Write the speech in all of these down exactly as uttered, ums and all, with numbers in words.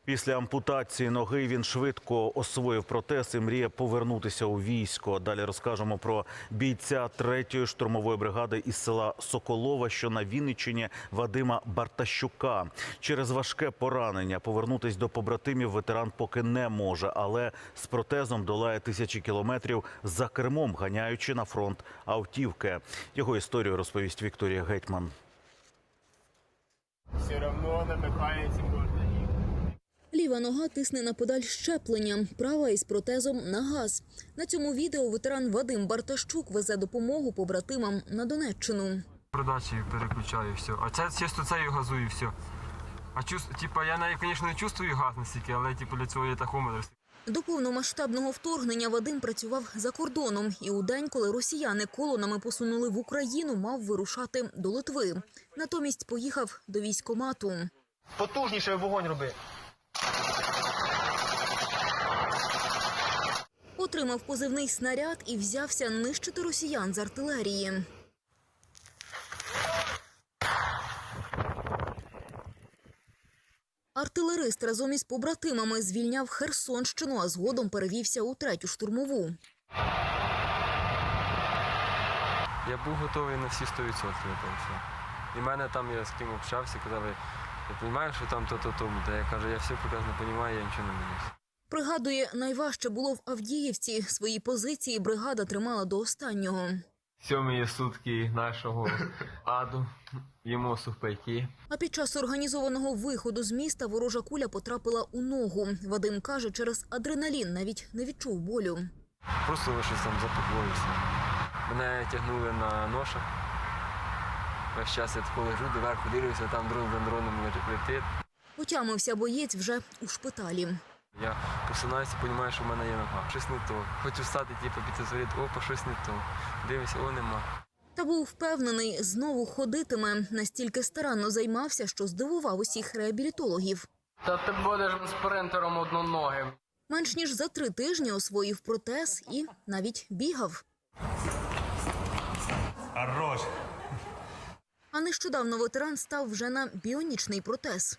Після ампутації ноги він швидко освоїв протез і мріє повернутися у військо. Далі розкажемо про бійця третьої штурмової бригади із села Соколова, що на Вінниччині, Вадима Бартащука. Через важке поранення повернутись до побратимів ветеран поки не може, але з протезом долає тисячі кілометрів за кермом, ганяючи на фронт автівки. Його історію розповість Вікторія Гетьман. Все одно намикається кожна. Ліва нога тисне на педаль щеплення, права із протезом на газ. На цьому відео ветеран Вадим Бартащук везе допомогу побратимам на Донеччину. Продачі переключаю, все. А це чисто це і газую, все. А чувств, типа, я навіть, звісно, не чувствую газ настільки, але типу, для цього є тахометр. До повномасштабного вторгнення Вадим працював за кордоном. І у день, коли росіяни колонами посунули в Україну, мав вирушати до Литви. Натомість поїхав до військкомату. Потужніше вогонь роби. Отримав позивний снаряд і взявся нищити росіян з артилерії. Артилерист разом із побратимами звільняв Херсонщину, а згодом перевівся у третю штурмову. Я був готовий на всі сто відсотків. І в мене там, я з ким общався, казали, ти розумієш, що там то-то-то. Та я кажу, я все прекрасно розумію, я нічого не боюсь. Пригадує, найважче було в Авдіївці. Свої позиції бригада тримала до останнього. Сьомі сутки нашого аду, їмо сухпайки. А під час організованого виходу з міста ворожа куля потрапила у ногу. Вадим каже, через адреналін навіть не відчув болю. Просто щось там запеклося. Мене тягнули на ношах. Весь час я тако лежу, доверху дивлюся, там дрон за дроном летить. Отямився боєць вже у шпиталі. Я посинаюся, розумію, що в мене є нога. Щось не то. Хочу встати, типу, піти зворити, опа, щось не то. Дивлюся, о, нема. Та був впевнений, знову ходитиме. Настільки старанно займався, що здивував усіх реабілітологів. Та ти будеш спринтером одноногим. Менш ніж за три тижні освоїв протез і навіть бігав. Хорош. А нещодавно ветеран став вже на біонічний протез.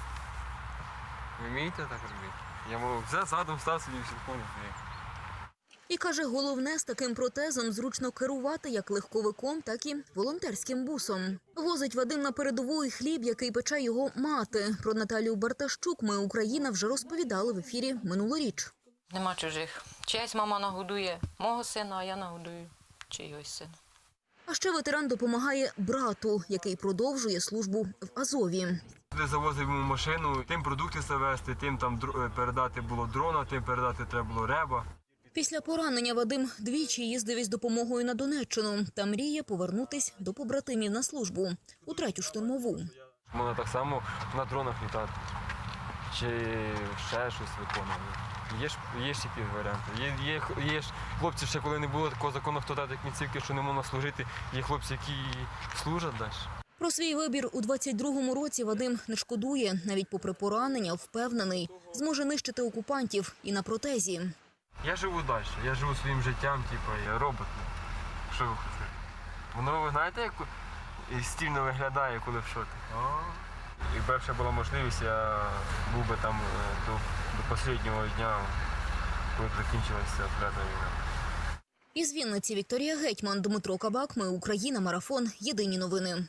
Ви вмієте так робити? Я мов, за задом став собі всі коні. І каже, головне з таким протезом зручно керувати як легковиком, так і волонтерським бусом. Возить Вадим на передову і хліб, який пече його мати. Про Наталію Бартащук «Ми Україна» вже розповідали в ефірі минулоріч. Нема чужих. Чиясь мама нагодує мого сина, а я нагодую чийось сина. А ще ветеран допомагає брату, який продовжує службу в Азові. Де завозив йому машину, тим продукти завезти, тим там передати було дрона, тим передати треба було реба. Після поранення Вадим двічі їздив із допомогою на Донеччину та мріє повернутись до побратимів на службу у третю штурмову. Можна так само на дронах літати, чи ще щось виконувати. Є ж, є ж такі варіанти. Є, є, є ж хлопці, ще коли не було такого закону, хто дати кінцівки, що не можна служити, є хлопці, які служать далі. Про свій вибір у двадцять другому році Вадим не шкодує. Навіть попри поранення, впевнений, зможе нищити окупантів і на протезі. Я живу далі, я живу своїм життям, типу, я робот. Що ви хочете? Воно, ви знаєте, як стильно виглядає, коли в шоті? Якби б ще була можливість, я був би там до, до останнього дня, коли закінчилася клята війна. Із Вінниці Вікторія Гетьман, Дмитро Кабак, «Ми Україна», марафон. Єдині новини.